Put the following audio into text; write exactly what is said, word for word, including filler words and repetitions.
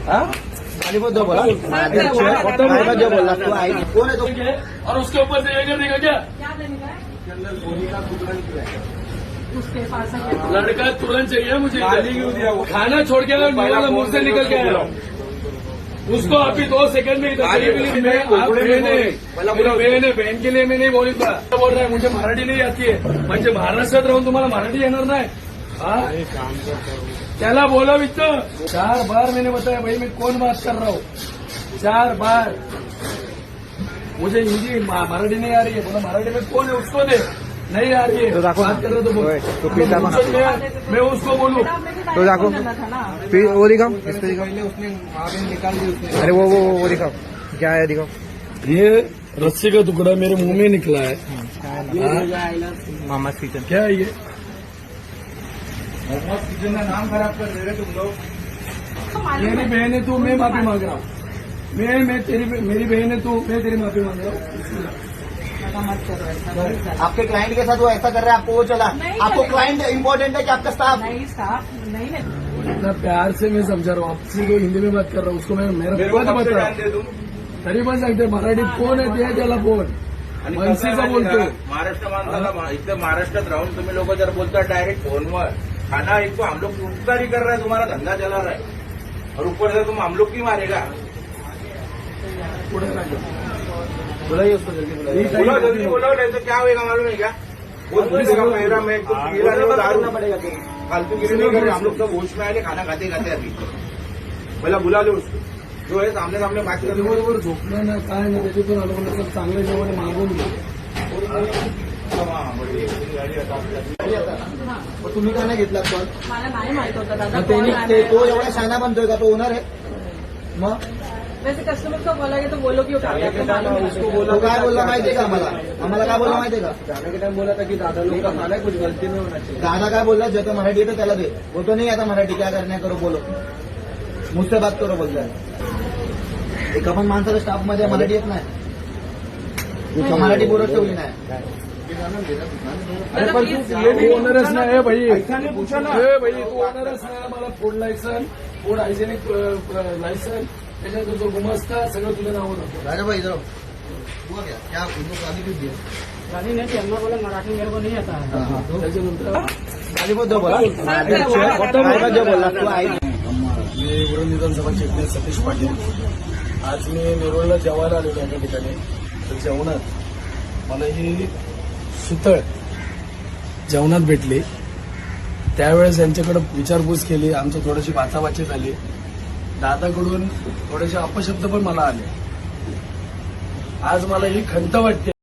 जो बोला जो बोला तू आई कौन है तो और उसके ऊपर से ये कर देगा क्या? उसके पास लड़का तुरंत चाहिए मुझे। खाना छोड़ के निकल मुंह से निकल के आया उसको अभी दो सेकंड में इधर मैं आप बहन है मेरी बहन है बहन के लिए मैं नहीं बोली था बोल रहा है मुझे मराठी नहीं आती है म्हणजे महाराष्ट्रात राहून तुम्हाला मराठी येणार नाही त्याला बोला वित्त चार बार मैंने बताया भाई मैं कौन बात कर रहा हूँ चार बार मुझे हिंदी मराठी नहीं आ रही है बोला मराठी में कौन है उसको दे नहीं आ रही है बात कर रहे तो बोल तो मैं उसको बोलूँ तो देखो फिर वो दिखाओ इस पे दिखाओ उसने निकाल दी उसने अरे वो वो वो दिखाओ क्या है दिखाओ ये रस्सी का टुकड़ा मेरे मुंह में निकला है मामा किचन क्या है ये किचन का नाम खराब कर दे रहे तुम लोग। मेरी बहन है तू मैं माफी मांग रहा हूँ मैं मैं तेरी मेरी बहन है तू मैं तेरी माफी मांग रहा हूँ। आपके क्लाइंट के साथ वो ऐसा कर रहा है आपको वो चला आपको क्लाइंट इम्पोर्टेंट है कि आपका स्टाफ नहीं स्टाफ नहीं नहीं इतना प्यार से मैं समझा रहा हूँ आपसे तो हिंदी में बात कर रहा हूँ उसको मैं मेरा पद बता रहा हूँ तरी पण सांगते मराठीत कोण आहे ते त्याला कोण मनसेचा बोलतो महाराष्ट्र माणसाला इथं महाराष्ट्रात राहून तुम्ही लोक जर बोलता डायरेक्ट फोनवर खाना एक तो हम लोग उपकारी कर रहा है तुम्हारा धंधा चला रहा है और ऊपर से तुम हम लोग की मारेगा पुढे राहिलो बुलाइए उसको जल्दी बुलाइए बोलो जल्दी बोलो नहीं तो क्या होगा मालूम है क्या वो दूसरे मेरा मैं तो पीला नहीं दारू करना पड़ेगा फालतू गिरी नहीं कर रहे हम लोग सब होश में आए खाना खाते खाते अभी बोला बुला लो उसको जो है सामने सामने बात कर बरोबर झोपलं ना काय ना त्याच्यातून आलो म्हणलं तर चांगलं जेवण मागून घे मग तुम्ही का नाही घेतला कॉल मला नाही माहित होतं दादा मग त्यांनी कॉल ते- तो आला. एवढा शाना बनतोय का तो ओनर आहे मग वैसे कस्टमर को बोला तो बोलो क्यों काटे आपको मालूम है उसको बोला तो काय बोलला माहितीये का आम्हाला आम्हाला काय बोलला माहितीये का जाने के टाइम बोला था कि दादा लोग का खाना है कुछ गलती नहीं होना चाहिए दादा काय बोलला ज्याचं मराठी येतं त्याला दे बोलतो नाही आता मराठी क्या करण्या करो बोलो मुझसे बात करो बोलताय एका पण माणसाला स्टाफ मध्ये मराठी येत नाही मराठी बोलत ठेवली नाही अरे पण तू ओनरच नाही आहे भाई ए भाई तू ओनरच नाही मला food licence food hygienic licence त्याच्यानंतर जो गुमस्ता सगळं तुझ्या नावावर होतं राजा भाई इधर हुआ क्या क्या उनको गाली क्यों दी गाली नहीं चलना बोला मराठी मेरे को नहीं आता है त्याच्यानंतर गाली बहुत जो बोला जो बोला तू आई मी उरण विधानसभा क्षेत्र सतीश पाटील आज मी नेरुळला जेवायला आलेलो एका ठिकाणी तर जेवणात मला ही सुतळ जेवणात भेटली त्यावेळेस यांच्याकडे विचारपूस केली आमची थोडीशी वाचावाची झाली दादाकडून थोडेसे अपशब्द पण मला आले आज मला ही खंत वाटते